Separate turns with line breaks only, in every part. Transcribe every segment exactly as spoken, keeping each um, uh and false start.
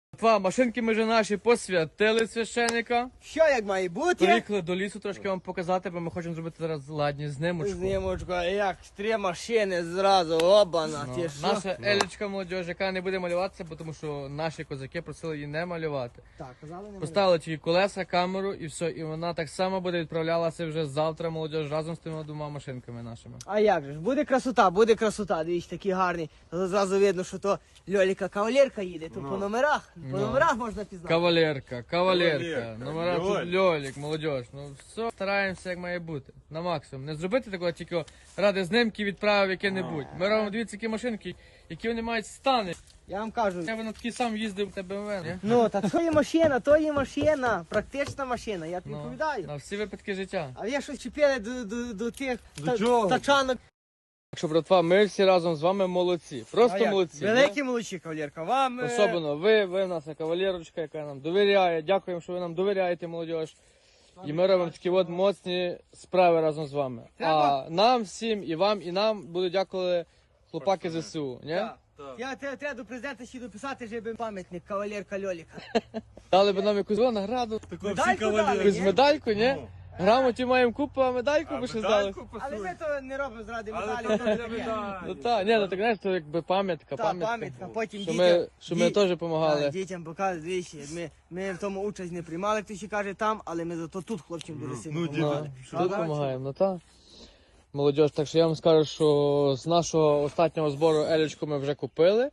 Два машинки ми вже наші посвятили священика.
Що як має бути?
Приїхали до лісу трошки вам показати, бо ми хочемо зробити зараз ладні знимочку.
Знімочку, як три машини зразу, обана,
Ну,
ти що?
наша Елічка молодіж, яка не буде малюватися, бо тому що наші козаки просили її не малювати.
Так, казали не
Поставили тільки колеса, камеру і все. І вона так само буде відправлялася вже завтра молодіж разом з тими двома машинками нашими.
А як же ж, буде красота, буде красота, дивіться, такі гарні. Зразу видно, що то Льоліка кавалерка їде, то по номерах, по
Ну.
номерах можна пізнати.
Кавалерка, кавалерка,
Кавалерка,
номера тут
Льолік.
льолік, молодіж. Ну все, стараємося як має бути. На максимум. Не зробити такого тільки ради знимки відправив яке-небудь. Ми робимо дивіться, які машинки, які вони мають стани.
Я вам кажу,
Я би на такий сам їздив на БМВ, ні?
ну, та то є машина, то є машина, практична машина, я тобі
Ну,
відповідаю.
на всі випадки життя.
А я щось чіпили до, до, до тих
До
та-
чого?
тачанок.
Так що, братва, ми всі разом з вами молодці.
А
Просто
як?
молодці.
Великі молодці, кавалерка, вам... е,
Особливо ви, ви в нас кавалерочка, яка нам довіряє. Дякуємо, що ви нам довіряєте, молодіж. І ми робимо такі от моцні справи разом з вами.
Треба-
А нам всім, і вам, і нам будуть дякувати хлопаки ЗСУ. Ні?
Так. Я те- треба до президента ще дописати, щоб пам'ятник кавалерка Льоліка.
Дали б нам якусь о, награду,
Такого
Медальку
всі кавалери.
дали,
якусь
ні?
медальку, ні?
Ну.
Грамоті маємо купу, а медальку
А
би ще здали.
медальку
Але
пасує.
ми то не робимо зради
Але
медалі.
то
то
не
таке.
медаль.
Ну так, ні, ну так знаєш, то якби пам'ятка,
Та,
пам'ятка.
пам'ятка, потім
Що
дітям...
ми, що ми
ді-
теж
Так,
допомагали.
дітям показують, двічі. Ми, ми в тому участь не приймали, хто ще каже там, але ми зато тут хлопцям дуже сильно
ну,
Ну,
допомагали.
тут допомагаємо, ну так. Молодіж, так що я вам скажу, що з нашого останнього збору Елічку ми вже купили.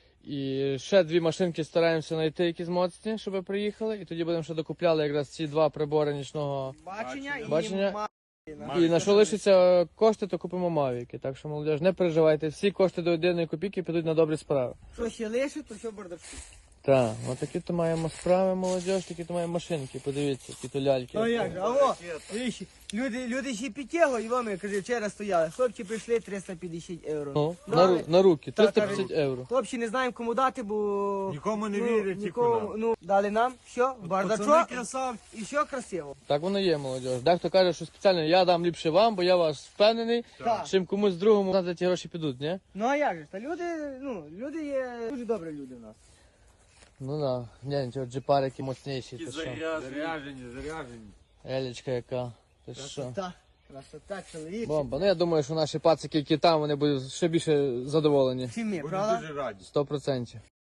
І ще дві машинки стараємося знайти, які моцні, щоб приїхали. І тоді будемо ще докупляли якраз ці два прибори нічного.
Бачення і
Бачення.
ма-
І на що лишиться кошти, то купимо мавіки. Так що, молодіж, не переживайте, всі кошти до єдиної копійки підуть на добрі справи.
Що ще лишить, то що бардачку.
Так, отакі то маємо справи, молодіж, такі то маємо машинки, подивіться, які то ляльки.
Ну як же, аво, двічі. Люди, люди ще підтягли, і вони, каже, вчора стояли. Хлопці прийшли триста п'ятдесят євро.
Ну, на,
Дали.
ру- на руки,
Так,
триста п'ятдесят євро.
Хлопці не знаємо кому дати, бо...
Нікому не
ну,
вірять, тільки
нікому,
нам.
ну, дали нам, все,
Пацани
бардачок,
красавці.
і все красиво.
Так воно є, молодіж. Дехто каже, що спеціально я дам ліпше вам, бо я вас впевнений,
Так.
чим комусь другому за ті гроші підуть, ні?
Ну а як же, та люди, ну, люди є дуже добрі люди в нас.
Ну да, гляньте, от джипарики моцніші, ти що?
Заряжені, заряжені.
Елічка яка, ти що?
Красота, красота, чоловік.
Бомба. Ну я думаю, що наші пацики, які там, вони будуть ще більше задоволені.
Чим ми,
Будемо
правда?
дуже раді.
Сто процентів.